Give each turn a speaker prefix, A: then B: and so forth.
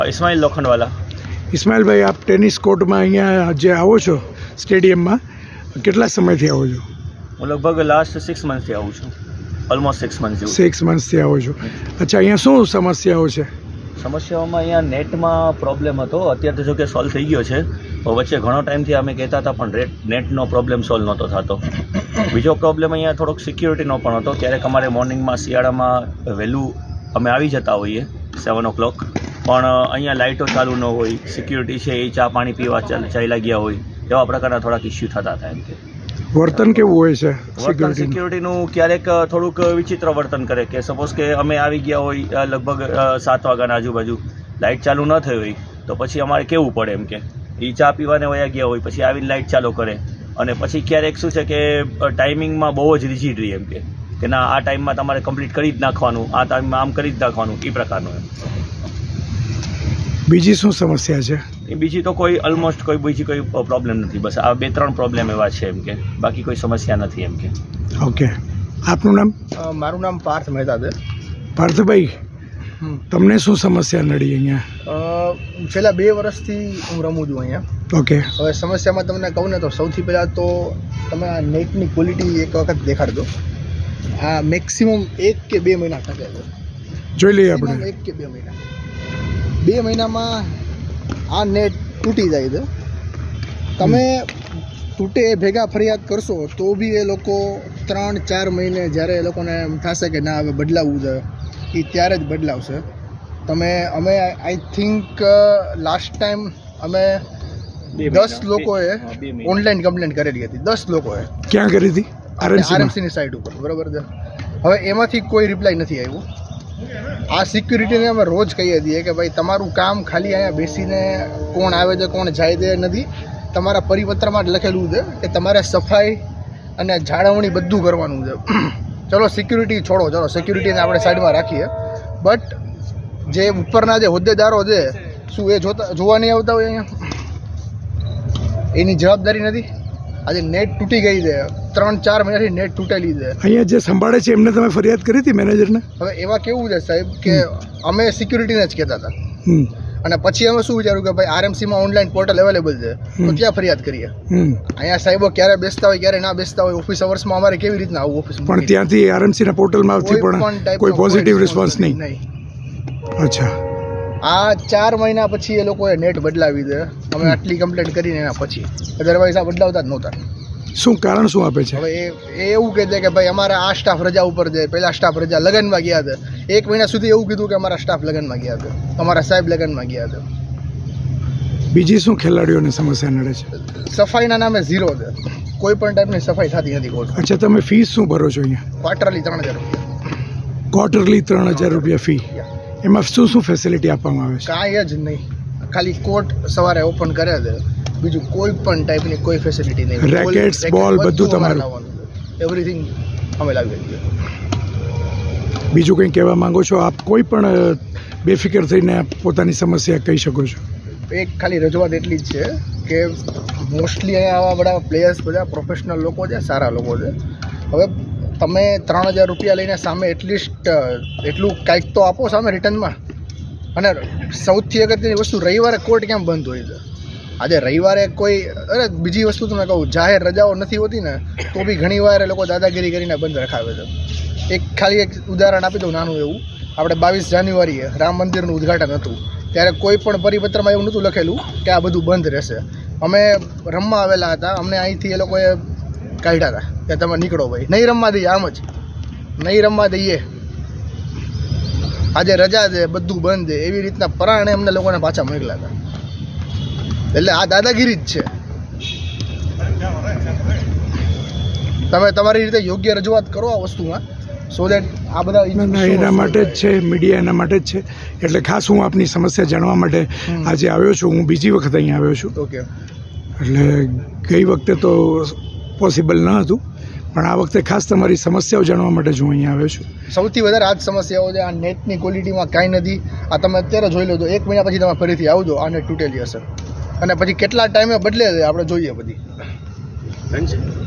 A: ઇસ્માઇલ લોખંડવાલા.
B: ઇસ્માઇલભાઈ, આપ ટેનિસ કોર્ટમાં અહીંયા જે આવો છો સ્ટેડિયમમાં, કેટલા સમયથી આવો છો?
A: હું લગભગ લાસ્ટ 6 મંથથી આવું છું. ઓલમોસ્ટ 6 મંથ જેવું.
B: 6 મંથથી આવો છો. અચ્છા, અહીંયા શું સમસ્યાઓ છે?
A: સમસ્યાઓમાં અહીંયા નેટમાં પ્રોબ્લેમ હતો. અત્યારે તો જો કે સોલ્વ થઈ ગયો છે. વચ્ચે ઘણો ટાઈમથી અમે કહેતા હતા પણ નેટનો પ્રોબ્લેમ સોલ્વ નહોતો થતો. બીજો પ્રોબ્લેમ અહીંયા થોડોક સિક્યુરિટીનો પણ હતો. ક્યારેક અમારે મોર્નિંગમાં શિયાળામાં વહેલું અમે આવી જતા હોઈએ 7 o'clock, પણ અહીંયા લાઇટો ચાલુ ન હોય, સિક્યુરિટી છે એ ચા પાણી પીવા ચાલ્યા ગયા હોય, એવા પ્રકારના થોડાક ઇસ્યુ થતા હતા. એમ કે
B: વર્તન કેવું હોય છે
A: સિક્યુરિટીનું? ક્યારેક થોડુંક વિચિત્ર વર્તન કરે કે સપોઝ કે અમે આવી ગયા હોય લગભગ 7 વાગ્યાના આજુબાજુ, લાઇટ ચાલુ ન થઈ હોય તો પછી અમારે કેવું પડે એમ કે એ ચા પીવાને વયા ગયા હોય, પછી આવીને લાઇટ ચાલુ કરે. અને પછી ક્યારેક શું છે કે ટાઈમિંગમાં બહુ જ રિજિડ રહી એમ કે ના આ ટાઈમમાં તમારે કમ્પ્લીટ કરી જ નાખવાનું, આ ટાઈમમાં આમ કરી જ નાખવાનું, એ પ્રકારનું એમ.
B: બીજી શું સમસ્યા છે?
A: બીજી તો કોઈ ઓલમોસ્ટ બીજી કોઈ પ્રોબ્લેમ નથી. બસ આ 2-3 પ્રોબ્લેમ એવા છે એમ કે, બાકી કોઈ સમસ્યા નથી એમ કે.
B: ઓકે, આપનું નામ?
C: મારું નામ પાર્થ મહેતા છે.
B: પાર્થભાઈ, તમને શું સમસ્યા નડી અહીંયા?
C: છેલ્લા 2 વર્ષથી હું રમું છું અહીંયા.
B: ઓકે.
C: હવે સમસ્યામાં તમને કહું ને તો સૌથી પહેલાં તો તમે આ નેટની ક્વોલિટી એક વખત દેખાડજો. આ મેક્સિમમ 1 કે 2 મહિના ટકે છે.
B: જોઈ લઈએ આપણે.
C: 1 કે 2 મહિના. 2 મહિનામાં આ નેટ તૂટી જાય છે. તમે તૂટે એ ભેગા ફરિયાદ કરશો તો બી એ લોકો 3-4 મહિને જ્યારે એ લોકોને એમ થશે કે ના હવે બદલાવવું છે, એ ત્યારે જ બદલાવશે. અમે આઈ થિંક લાસ્ટ ટાઈમ અમે 10 લોકોએ ઓનલાઈન કમ્પ્લેન્ટ કરેલી હતી. 10 લોકોએ.
B: ક્યાં કરી હતી?
C: આરએમસીની સાઇટ ઉપર, બરાબર છે. હવે એમાંથી કોઈ રિપ્લાય નથી આવ્યું. આ સિક્યુરિટીને અમે રોજ કહીએ છીએ કે ભાઈ તમારું કામ ખાલી અહીંયા બેસીને કોણ આવે છે કોણ જાય છે નથી. તમારા પરિપત્રમાં જ લખેલું છે કે તમારે સફાઈ અને જાળવણી બધું કરવાનું છે. ચલો સિક્યુરિટી છોડો, ચલો સિક્યુરિટીને આપણે સાઈડમાં રાખીએ, બટ જે ઉપરના જે હોદ્દેદારો છે શું એ જોવા નહીં આવતા હોય અહીંયા? એની જવાબદારી નથી. આજે નેટ તૂટી ગઈ છે, 3-4 મહિનાથી નેટ તૂટેલી છે.
B: અહીંયા જે સંભાળે છે એમને તમે ફરિયાદ કરી હતી મેનેજરને?
C: હવે એવા કેવું છે સાહેબ કે અમે સિક્યુરિટીને જ કહેતા હતા, અને પછી અમે શું વિચાર્યું કે ભાઈ આરએમસીમાં ઓનલાઈન પોર્ટલ અવેલેબલ છે તો ત્યાં ફરિયાદ કરીએ. અહીંયા સાહેબો ક્યારે બેસતા હોય ક્યારે ના બેસતા હોય, ઓફિસ અવર્સમાં અમારે કેવી રીતના આવું ઓફિસ?
B: પણ ત્યાંથી આરએમસીના પોર્ટલમાંથી પણ કોઈ પોઝિટિવ રિસ્પોન્સ નહીં. અચ્છા,
C: આ 4 મહિના પછી એ લોકોએ નેટ બદલાવી દે. અમે આટલી કમ્પ્લેન્ટ કરીને એના પછી, અધરવાઇઝ આ બદલાવતા જ નહોતા.
B: શું કારણ શું આપે છે?
C: હવે એ એવું કહે છે કે ભાઈ અમારા આ સ્ટાફ રજા ઉપર છે, પેલા સ્ટાફ રજા લગ્નમાં ગયા હતા. 1 મહિના સુધી એવું કીધું કે અમારા સ્ટાફ લગ્નમાં ગયા હતા, અમારા સાહેબ લગ્નમાં ગયા હતા.
B: બીજી શું ખેલાડીઓને સમસ્યા નડે છે?
C: સફાઈના નામે 0 છે. કોઈ પણ ટાઈપની સફાઈ થતી નથી કોર્ટ.
B: અચ્છા, તમે ફીસ શું ભરો છો અહીંયા?
C: ક્વાર્ટરલી 3000 રૂપિયા.
B: ક્વાર્ટરલી 3000 રૂપિયા ફી. એમાં શું શું ફેસિલિટી આપવામાં આવે છે?
C: કાંઈ જ નહીં. ખાલી કોર્ટ સવારે ઓપન કરે છે, બીજું કોઈ પણ ટાઈપની કોઈ ફેસિલિટી નહીં.
B: રેકેટ્સ, બોલ બધું તમારું?
C: એવરીથિંગ અમે લાવી દઈએ.
B: બીજું કંઈ કહેવા માંગો છો આપ? કોઈ પણ બેફિકર થઈને પોતાની સમસ્યા કહી શકો છો.
C: એક ખાલી રજૂઆત એટલી જ છે કે મોસ્ટલી અહીંયા આવા બધા પ્લેયર્સ બધા પ્રોફેશનલ લોકો છે, સારા લોકો છે. હવે તમે 3000 રૂપિયા લઈને સામે એટલીસ્ટ એટલું કાંઈક તો આપો સામે રિટર્નમાં. અને સૌથી અગત્યની વસ્તુ, રવિવારે કોર્ટ કેમ બંધ હોય છે? આજે રવિવારે કોઈ, અરે બીજી વસ્તુ તમે કહું, જાહેર રજાઓ નથી હોતી ને તો બી ઘણીવાર એ લોકો દાદાગીરી કરીને બંધ રખાવે છે. ખાલી એક ઉદાહરણ આપી દઉં નાનું એવું. આપણે 22 જાન્યુઆરીએ રામ મંદિરનું ઉદ્ઘાટન હતું, ત્યારે કોઈ પણ પરિપત્રમાં એવું નહોતું લખેલું કે આ બધું બંધ રહેશે. અમે રમવા આવેલા હતા, અમને અહીંથી એ લોકોએ કાઢ્યા હતા કે તમે નીકળો ભાઈ, નહીં રમવા દઈએ, આમ જ નહીં રમવા દઈએ, આજે રજા છે, બધું બંધ છે, એવી રીતના પરાણે અમને લોકોને પાછા મોકલ્યા હતા. એટલે આ દાદાગીરી જ છે. તમે તમારી રીતે યોગ્ય રજૂઆત કરો આ વસ્તુમાં, સો દેટ આ બધા
B: એના માટે જ છે, મીડિયા એના માટે જ છે. એટલે ખાસ હું આપની સમસ્યા જાણવા માટે આજે આવ્યો છું. હું બીજી વખત અહીંયા આવ્યો છું.
C: ઓકે.
B: એટલે ગઈ વખતે તો પોસિબલ ન હતું, પણ આ વખતે ખાસ તમારી સમસ્યાઓ જાણવા માટે જ હું અહીંયા આવ્યો છું.
C: સૌથી વધારે આ જ સમસ્યાઓ છે. આ નેટની ક્વોલિટીમાં કાંઈ નથી. આ તમે અત્યારે જોઈ લો તો 1 મહિના પછી તમે ફરીથી આવજો, આ નેટ તૂટેલી હશે, અને પછી કેટલા ટાઈમે બદલે છે આપણે જોઈએ બધી.